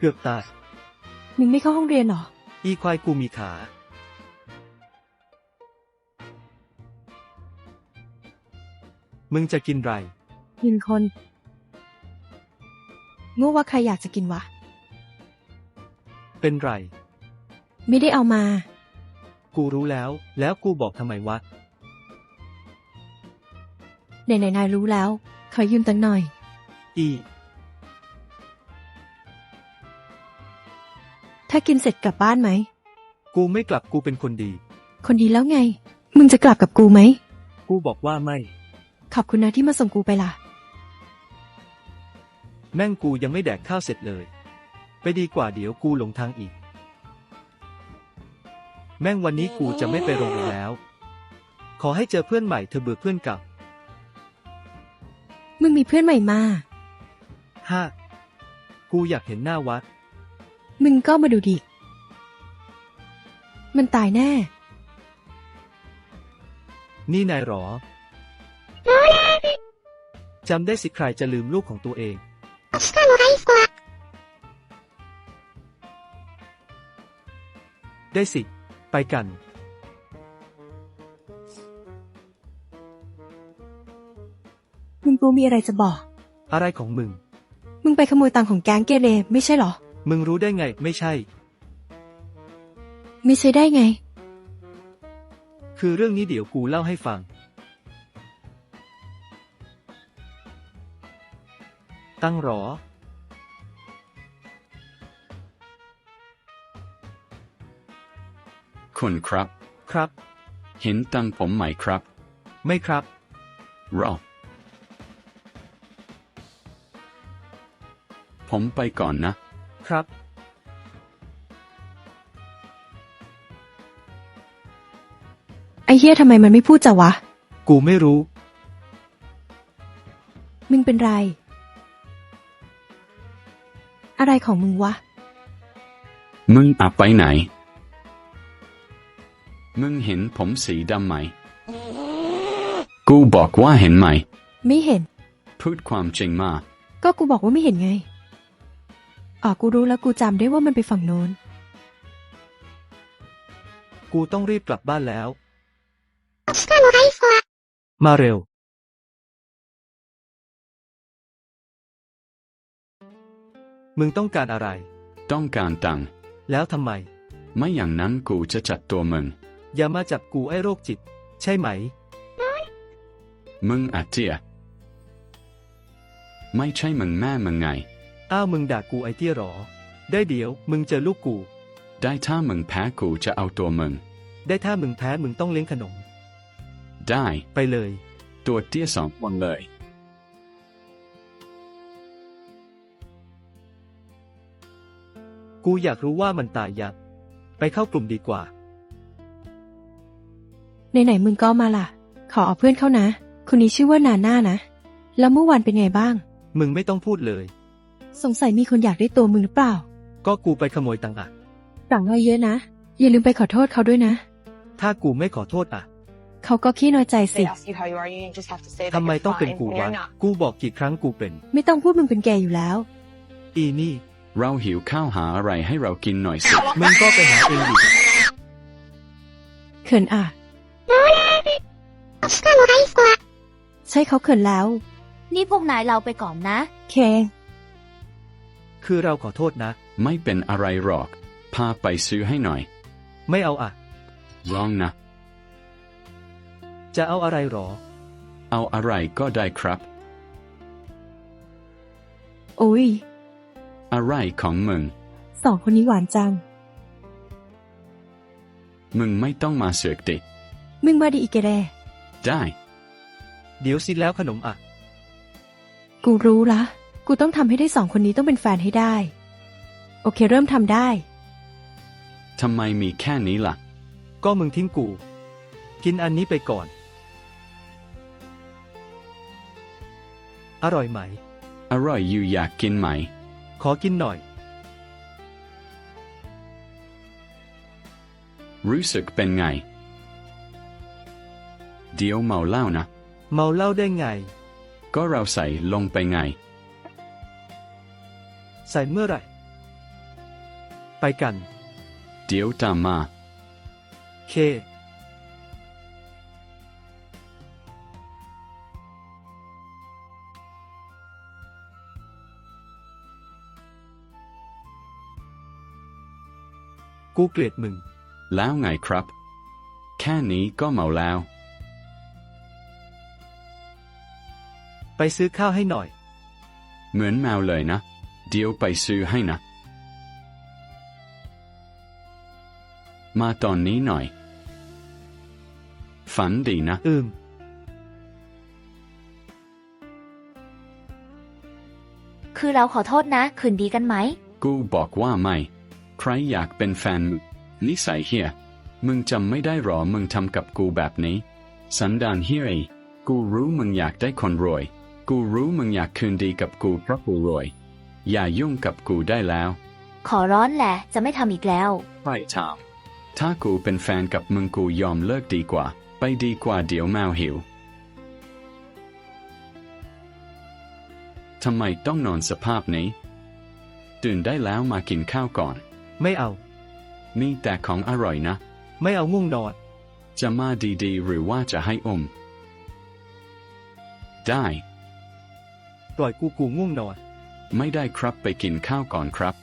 เกือบตายมึงไม่เข้าห้องเรียนหรออีควายกูมีขา มึงจะกินไรกินคนโง่ว่าใครอยากจะกินวะเป็นไรไม่ได้เอามากูรู้แล้ว แล้วกูบอกทำไมวะไหนนายรู้แล้ว ขอยืมตังค์หน่อยอีถ้ากินเสร็จกลับบ้านไหมกูไม่กลับกูเป็นคนดีคนดีแล้วไง มึงจะกลับกับกูไหมกูบอกว่าไม่ขอบคุณนะที่มาส่งกูไปล่ะแม่งกูยังไม่แดกข้าวเสร็จเลย ไปดีกว่าเดี๋ยวกูหลงทางอีก แม่งวันนี้กูจะไม่ไปโรงเรียนแล้ว ขอให้เจอเพื่อนใหม่เธอเบื่อเพื่อนเก่ามึงมีเพื่อนใหม่มากูอยากเห็นหน้าวัดมึงก็มาดูดิ มันตายแน่นี่นายหรอ จำได้สิใครจะลืมลูกของตัวเอง ได้สิ ไปกันมึงกูมีอะไรจะบอกอะไรของมึงมึงไปขโมยตังค์ของแก๊งเกเรไม่ใช่หรอมึงรู้ได้ไง ไม่ใช่ไม่ใช่ได้ไงคือเรื่องนี้เดี๋ยวกูเล่าให้ฟัง ตั้งหรอคุณครับครับเห็นตังผมไหมครับไม่ครับรอผมไปก่อนนะครับไอ้เหี้ยทำไมมันไม่พูดจ้ะวะกูไม่รู้มึงเป็นไร อะไรของมึงวะมึงอะไปไหน มึงเห็นผมสีดำไหม กูบอกว่าเห็นไหมไม่เห็นพูดความจริงมาก็กูบอกว่าไม่เห็นไง อ๋อ กูรู้แล้วกูจำได้ว่ามันไปฝั่งโน้นกูต้องรีบกลับบ้านแล้ว มาเร็ว มึงต้องการอะไรต้องการตังค์แล้วทำไมไม่อย่างนั้นกูจะจัดตัวมึงอย่ามาจับกูไอ้โรคจิต ใช่ไหมมึงอะเจียไม่ใช่มึงแม่มึงไงอ้าวมึงด่ากูไอ้เตี้ยหรอ ได้เดี๋ยว มึงเจอลูกกูได้ถ้ามึงแพ้กูจะเอาตัวมึงได้ถ้ามึงแพ้มึงต้องเลี้ยงขนมได้ไปเลยตัวเตี้ย2 วันเลยกูอยากรู้ว่ามันตายยังไปเข้ากลุ่มดีกว่าไหนๆมึงก็มาล่ะ ขอเอาเพื่อนเข้านะ คนนี้ชื่อว่านาน่านะ แล้วเมื่อวานเป็นไงบ้างมึงไม่ต้องพูดเลยสงสัยมีคนอยากได้ตัวมึงหรือเปล่าก็กูไปขโมยตังค์อะสั่งเอาเยอะนะ อย่าลืมไปขอโทษเขาด้วยนะถ้ากูไม่ขอโทษอะเขาก็ขี้น้อยใจสิ They ask you how you are, you just have to say that ทำไม you're ต้องเป็น fine กู when วะ you're not. กูบอกกี่ครั้งกูเป็นไม่ต้องพูดมึงเป็นแกอยู่แล้วอีนี่เราหิวข้าวหาอะไรให้เรากินหน่อยสิมึงก็ไปหาเองดิเขินอ่ะ ใช่เขาเขินแล้วนี่พวกนายเราไปก่อนนะเคคือเราขอโทษนะไม่เป็นอะไรหรอก พาไปซื้อให้หน่อยไม่เอาอะร้องนะจะเอาอะไรหรอเอาอะไรก็ได้ครับโอ้ยอะไรของมึงสองคนนี้หวานจังมึงไม่ต้องมาเสือกดิมึงมาดีอีกแกแรได้เดี๋ยวสิแล้วขนมอะกูรู้ละ กูต้องทำให้ได้สองคนนี้ต้องเป็นแฟนให้ได้ โอเคเริ่มทำได้ทำไมมีแค่นี้ล่ะก็มึงทิ้งกู กินอันนี้ไปก่อน อร่อยไหมอร่อยอยู่อยากกินไหมขอกินหน่อยรู้สึกเป็นไง เดี๋ยวเมาเหล้านะเมาเหล้าได้ไงก็เราใส่ลงไปไงใส่เมื่อไหร่ไปกันเดี๋ยวตามมาเค กูเกลียดมึงแล้วไงครับ แค่นี้ก็เมาแล้วไปซื้อข้าวให้หน่อยเหมือนแมวเลยนะ เดี๋ยวไปซื้อให้นะ มาตอนนี้หน่อย ฝันดีนะคือเราขอโทษนะ คืนดีกันไหมกูบอกว่าไม่ ใครอยากเป็นแฟนมึงนิสัยเฮียมึงจำไม่ได้หรอมึงทำกับกูแบบนี้ สันดานเฮียกูรู้มึงอยากได้คนรวย กูรู้มึงอยากคืนดีกับกูเพราะกูรวย อย่ายุ่งกับกูได้แล้วขอร้อนแหละ จะไม่ทำอีกแล้วใครถามถ้ากูเป็นแฟนกับมึงกูยอมเลิกดีกว่า ไปดีกว่าเดี๋ยวแมวหิว ทำไมต้องนอนสภาพนี้ ตื่นได้แล้วมากินข้าวก่อนไม่เอามีแต่ของอร่อยนะไม่เอาง่วงนอนจะมาดีๆหรือว่าจะให้อม ได้ปล่อยกูง่วงนอนไม่ได้ครับไปกินข้าวก่อนครับ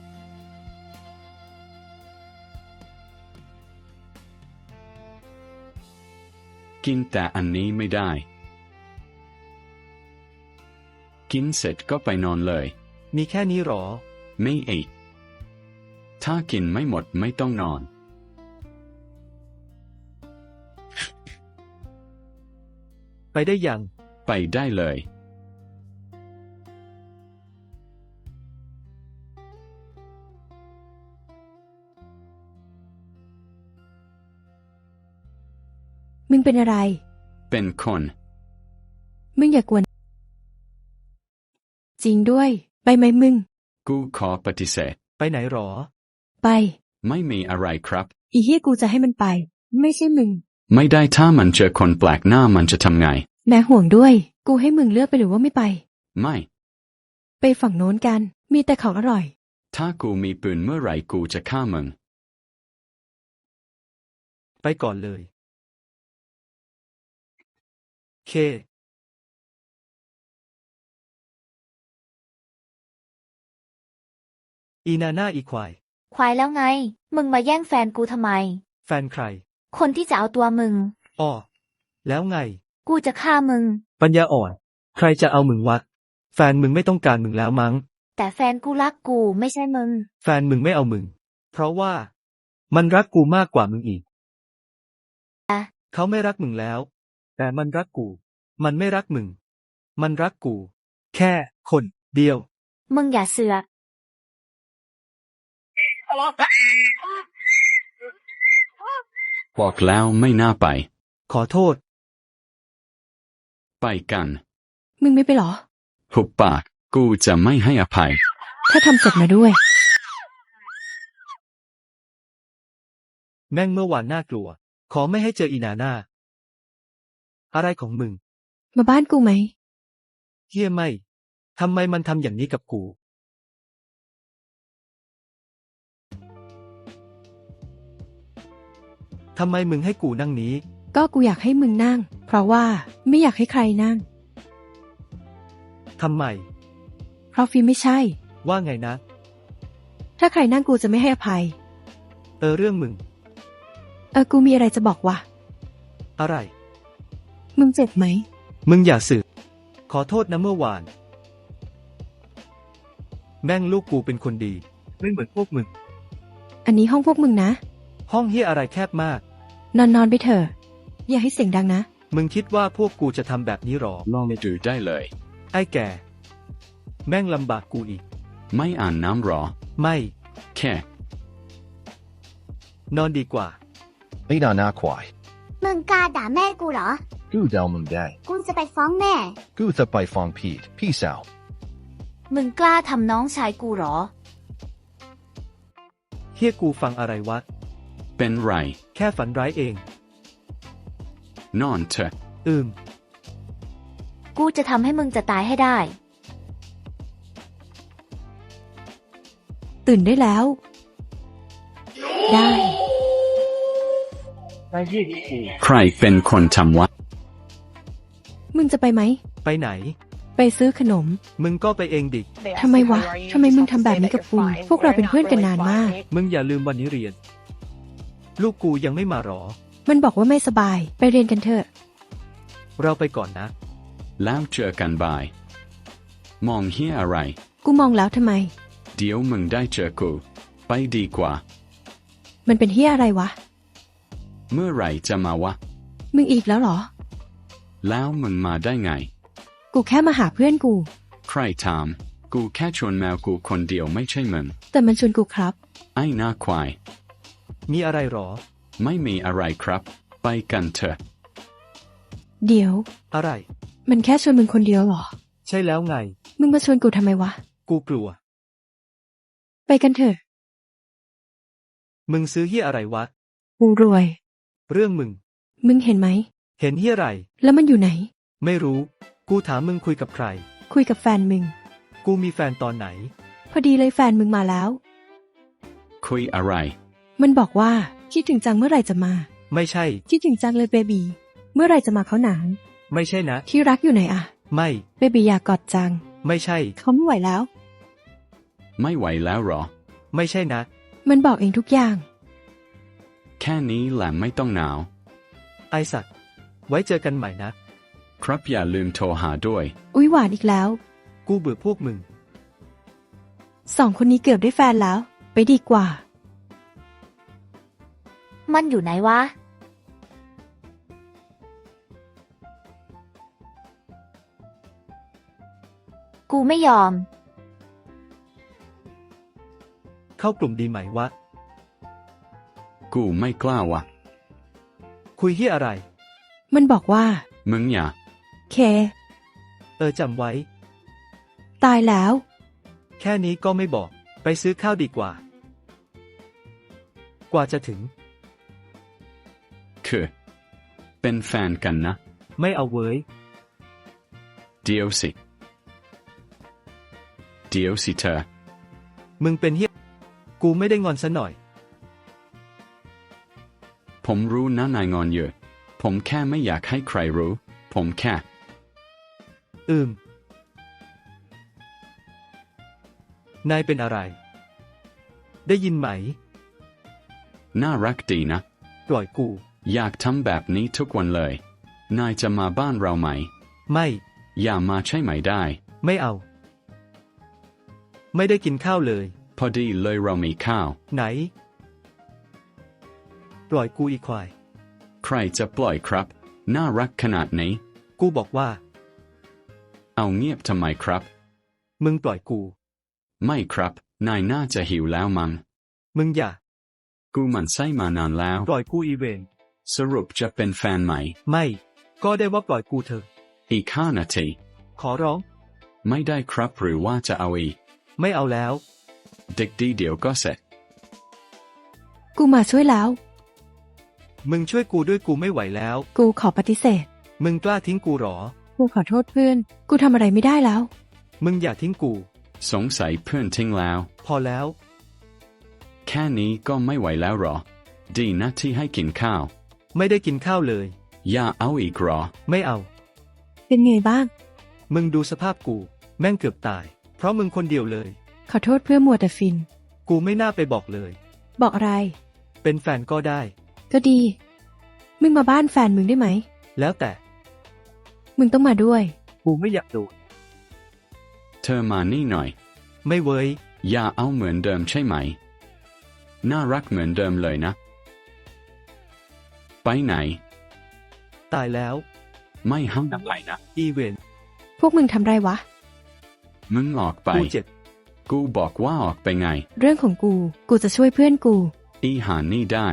กินแต่อันนี้ไม่ได้ กินเสร็จก็ไปนอนเลยมีแค่นี้หรอไม่เอกถ้ากินไม่หมดไม่ต้องนอนไปได้ยังไปได้เลยมึงเป็นอะไรเป็นคนมึงอย่ากวน จริงด้วย ไปไหมมึงกูขอปฏิเสธไปไหนหรอไปไม่มีอะไรครับอีเหี้ยกูจะให้มันไป ไม่ใช่มึงไม่ได้ถ้ามันเจอคนแปลกหน้ามันจะทำไงแม่ห่วงด้วย กูให้มึงเลือกไปหรือว่าไม่ไปไม่ไปฝั่งโน้นกัน มีแต่ของอร่อยถ้ากูมีปืนเมื่อไหร่กูจะฆ่ามึงไปก่อนเลย เค อีนาน่าอีควายควายแล้วไง มึงมาแย่งแฟนกูทำไมแฟนใครคนที่จะเอาตัวมึงอ้อ แล้วไงกูจะฆ่ามึงปัญญาอ่อน ใครจะเอามึงวะ แฟนมึงไม่ต้องการมึงแล้วมั้งแต่แฟนกูรักกูไม่ใช่มึงแฟนมึงไม่เอามึง เพราะว่า มันรักกูมากกว่ามึงอีกอะเขาไม่รักมึงแล้ว แต่มันรักกู มันไม่รักมึง มันรักกู แค่คนเดียวมึงอย่าเสือกบอกแล้วไม่น่าไปขอโทษไปกันมึงไม่ไปหรอหุบปาก กูจะไม่ให้อภัยถ้าทำเสร็จมาด้วยแม่งเมื่อวานน่ากลัว ขอไม่ให้เจออีนาน่า อะไรของมึงมาบ้านกูไหมเฮียไม่ ทำไมมันทำอย่างนี้กับกู ทำไมมึงให้กูนั่งนี้ก็กูอยากให้มึงนั่ง เพราะว่าไม่อยากให้ใครนั่งทำไมเพราะฟิล์มไม่ใช่ว่าไงนะถ้าใครนั่งกูจะไม่ให้อภัยเรื่องมึงกูมีอะไรจะบอกว่ะอะไรมึงเจ็บไหมมึงอย่าสืบขอโทษนะเมื่อวาน แม่งลูกกูเป็นคนดี ไม่เหมือนพวกมึงอันนี้ห้องพวกมึงนะห้องเฮียอะไรแคบมากนอนไปเถอะ อย่าให้เสียงดังนะมึงคิดว่าพวกกูจะทำแบบนี้หรอลองดูได้เลยไอ้แก่ แม่งลำบากกูอีกไม่อ่านน้ำหรอไม่แค่นอนดีกว่าไม่ด่าหน้าควายมึงกล้าด่าแม่กูเหรอกูเดามึงได้กูจะไปฟ้องแม่กูจะไปฟ้องพีทพี่สาวมึงกล้าทำน้องชายกูเหรอเฮียกูฟังอะไรวะเป็นไรแค่ฝันร้ายเองนอนเถอะกูจะทำให้มึงจะตายให้ได้ตื่นได้แล้วได้ใครเป็นคนทำวะมึงจะไปไหมไปไหนไปซื้อขนมมึงก็ไปเองดิ They ask ทำไม you วะ who you are, you ทำไม just มึง have to ทำแบบ say นี้ that กับ you're กู fine. พวกเราเป็นเพื่อนกันนานมากมึงอย่าลืมวันนี้เรียน ลูกกูยังไม่มาหรอมันบอกว่าไม่สบาย ไปเรียนกันเถอะเราไปก่อนนะแล้วเจอกันบ่าย มองเฮียอะไรกูมองแล้วทำไมเดี๋ยวมึงได้เจอกู ไปดีกว่ามันเป็นเฮียอะไรวะเมื่อไหร่จะมาวะมึงอีกแล้วเหรอแล้วมึงมาได้ไงกูแค่มาหาเพื่อนกูใครถาม กูแค่ชวนแมวกูคนเดียวไม่ใช่มึงแต่มันชวนกูครับไอ้หน้าควายมีอะไรหรอไม่มีอะไรครับ ไปกันเถอะเดี๋ยวอะไรมันแค่ชวนมึงคนเดียวเหรอใช่แล้วไงมึงมาชวนกูทำไมวะกูกลัวไปกันเถอะมึงซื้อเฮียอะไรวะกูรวยเรื่องมึงมึงเห็นไหมเห็นเฮียอะไรแล้วมันอยู่ไหนไม่รู้ กูถามมึงคุยกับใครคุยกับแฟนมึงกูมีแฟนตอนไหนพอดีเลยแฟนมึงมาแล้วคุยอะไรมันบอกว่าคิดถึงจังเมื่อไหร่จะมาไม่ใช่คิดถึงจังเลยเบบี เมื่อไหร่จะมาเขาหนานไม่ใช่นะที่รักอยู่ไหนอะไม่เบบีอยากกอดจังไม่ใช่เขาไม่ไหวแล้วไม่ไหวแล้วหรอไม่ใช่นะมันบอกเองทุกอย่างแค่นี้แหละไม่ต้องหนาวไอสัตว์ ไว้เจอกันใหม่นะครับอย่าลืมโทรหาด้วยอุ๊ยหวานอีกแล้วกูเบื่อพวกมึงสองคนนี้เกือบได้แฟนแล้ว ไปดีกว่ามันอยู่ไหนวะ กูไม่ยอมเข้ากลุ่มดีไหมวะกูไม่กล้าวะคุยเฮียอะไรมันบอกว่ามึงอย่าเคจำไว้ตายแล้วแค่นี้ก็ไม่บอก ไปซื้อข้าวดีกว่า กว่าจะถึงคือ เป็นแฟนกันนะไม่เอาเว้ยเดี๋ยวสิ เดี๋ยวสิเธอมึงเป็นเฮีย กูไม่ได้งอนซะหน่อยผมรู้นะนายงอนเยอะ ผมแค่ไม่อยากให้ใครรู้ ผมแค่นายเป็นอะไร ได้ยินไหมน่ารักดีนะปล่อยกูอยากทำแบบนี้ทุกวันเลย นายจะมาบ้านเราไหมไม่อย่ามาใช่ไหมได้ไม่เอา ไม่ได้กินข้าวเลยพอดีเลยเรามีข้าวไหน ปล่อยกูอีกควายใครจะปล่อยครับ น่ารักขนาดนี้กูบอกว่าเอาเงียบทำไมครับมึงปล่อยกูไม่ครับ นายน่าจะหิวแล้วมัง้งมึงอย่ากูหมันไส้มานานแล้วปล่อยกูอีเวนสรุปจะเป็นแฟนใหม่ไม่ ก็ได้ว่าปล่อยกูเถอะอีก5 นาทีขอร้องไม่ได้ครับหรือว่าจะเอาอีกไม่เอาแล้วเด็กดีเดี๋ยวก็เสร็จกูมาช่วยแล้วมึงช่วยกูด้วยกูไม่ไหวแล้วกูขอปฏิเสธมึงกล้าทิ้งกูหรอกูขอโทษเพื่อน กูทำอะไรไม่ได้แล้วมึงอย่าทิ้งกูสงสัยเพื่อนทิ้งแล้วพอแล้วแค่นี้ก็ไม่ไหวแล้วหรอ ดีนะที่ให้กินข้าวไม่ได้กินข้าวเลยอย่าเอาอีกหรอไม่เอาเป็นไงบ้างมึงดูสภาพกู แม่งเกือบตาย เพราะมึงคนเดียวเลยขอโทษเพื่อมัวแต่ฟินกูไม่น่าไปบอกเลยบอกอะไรเป็นแฟนก็ได้ก็ดี มึงมาบ้านแฟนมึงได้ไหมแล้วแต่มึงต้องมาด้วยกูไม่อยากโดนเธอมานี่หน่อยไม่เว้ยอย่าเอาเหมือนเดิมใช่ไหม น่ารักเหมือนเดิมเลยนะ ไปไหนตายแล้วไม่ห้ามไปนะอีเวนพวกมึงทำไรวะมึงออกไปกูเจ็บกูบอกว่าออกไปไงเรื่องของกู กูจะช่วยเพื่อนกูอีหานี่ได้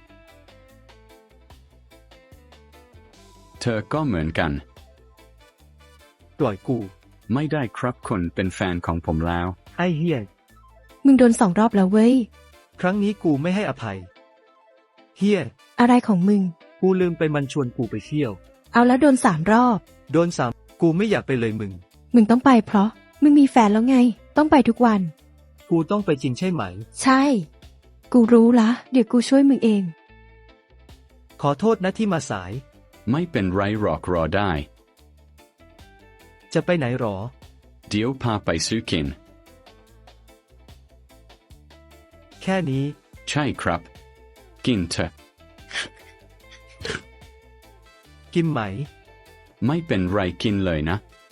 เธอก็เหมือนกันปล่อยกูไม่ได้ครับคุณเป็นแฟนของผมแล้วไอ้เฮียมึงโดน2 รอบแล้วเว้ยครั้งนี้กูไม่ให้อภัย เฮียอะไรของมึงกูลืมไปมันชวนกูไปเที่ยวเอาแล้วโดน3 รอบโดนซ้ำกูไม่อยากไปเลยมึงมึงต้องไปเพราะ มึงมีแฟนแล้วไง ต้องไปทุกวันกูต้องไปจริงใช่ไหมใช่ กูกูรู้ละ เดี๋ยวกูช่วยมึงเองขอโทษนะที่มาสายไม่เป็นไรหรอกรอได้จะไปไหนหรอเดี๋ยวพาไปซื้อกินแค่นี้ใช่ครับ กินเถอะกินไหมไม่เป็นไรกินเลยนะ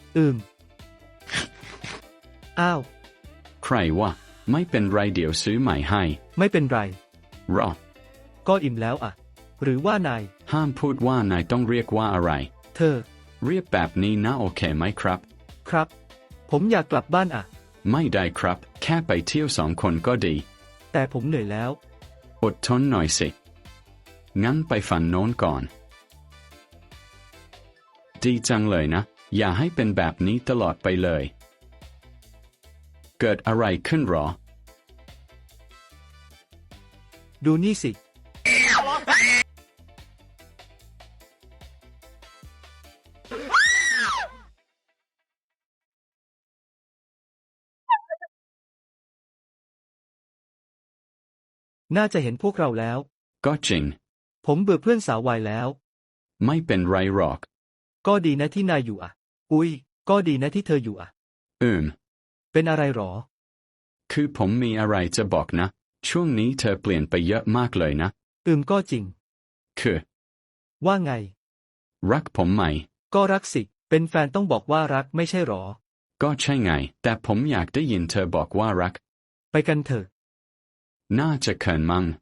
อ้าวใครวะไม่เป็นไรเดี๋ยวซื้อใหม่ให้ไม่เป็นไรรอก็อิ่มแล้วอ่ะ หรือว่านายห้ามพูดว่านายต้องเรียกว่าอะไรเธอเรียกแบบนี้นะโอเคไหมครับครับ ผมอยากกลับบ้านอ่ะไม่ได้ครับ แค่ไปเที่ยว2 คนก็ดีแต่ผมเหนื่อยแล้วอดทนหน่อยสิ งั้นไปฝันโน้นก่อน ดีจังเลยนะ อย่าให้เป็นแบบนี้ตลอดไปเลย เกิดอะไรขึ้นหรอดูนี่สิ น่าจะเห็นพวกเราแล้วก็จริงผมเบื่อเพื่อนสาววัยแล้วไม่เป็นไรหรอกก็ดีนะที่นายอยู่อ่ะ อุ๊ย ก็ดีนะที่เธออยู่อ่ะ เป็นอะไรหรอคือผมมีอะไรจะบอกนะ ช่วงนี้เธอเปลี่ยนไปเยอะมากเลยนะก็จริงคือว่าไงรักผมไหมก็รักสิ เป็นแฟนต้องบอกว่ารักไม่ใช่หรอก็ใช่ไง แต่ผมอยากได้ยินเธอบอกว่ารักไปกันเถอะน่าจะเขินมั้ง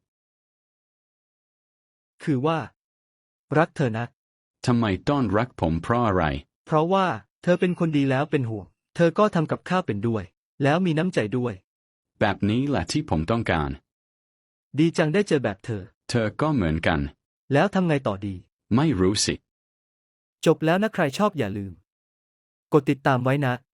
คือว่า รักเธอนะทำไมต้องรักผมเพราะอะไรเพราะว่าเธอเป็นคนดีแล้วเป็นห่วง เธอก็ทำกับข้าวเป็นด้วย แล้วมีน้ำใจด้วยแบบนี้แหละที่ผมต้องการดีจังได้เจอแบบเธอเธอก็เหมือนกันแล้วทำไงต่อดีไม่รู้สิจบแล้วนะใครชอบอย่าลืม กดติดตามไว้นะ